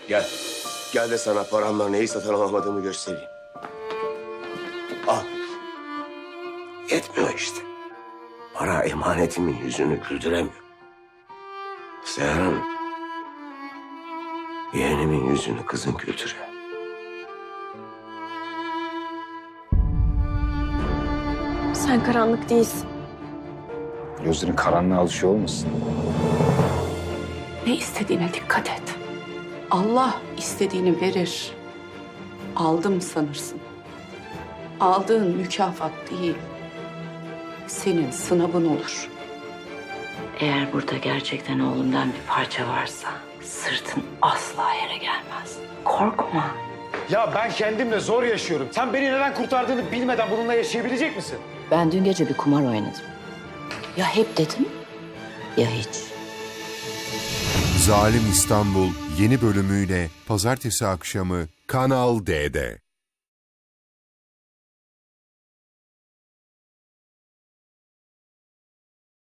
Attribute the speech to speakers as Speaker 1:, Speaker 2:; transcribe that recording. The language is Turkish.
Speaker 1: Gel. Gel de sana paramla neyi satın alamadığımı göstereyim. Al. Yetmiyor işte. Para emanetimin yüzünü güldüremiyor. Seher Hanım, yeğenimin yüzünü kızın güldürüyor.
Speaker 2: Sen karanlık değilsin.
Speaker 3: Gözlerin karanlığa alışıyor olmasın?
Speaker 4: Ne istediğine dikkat et. Allah istediğini verir. Aldım sanırsın. Aldığın mükafat değil. Senin sınavın olur. Eğer burada gerçekten oğlumdan bir parça varsa sırtın asla yere gelmez. Korkma.
Speaker 5: Ya ben kendimle zor yaşıyorum. Sen beni neden kurtardığını bilmeden bununla yaşayabilecek misin?
Speaker 6: Ben dün gece bir kumar oynadım. Ya hep dedim ya hiç.
Speaker 7: Zalim İstanbul yeni bölümüyle pazartesi akşamı Kanal D'de.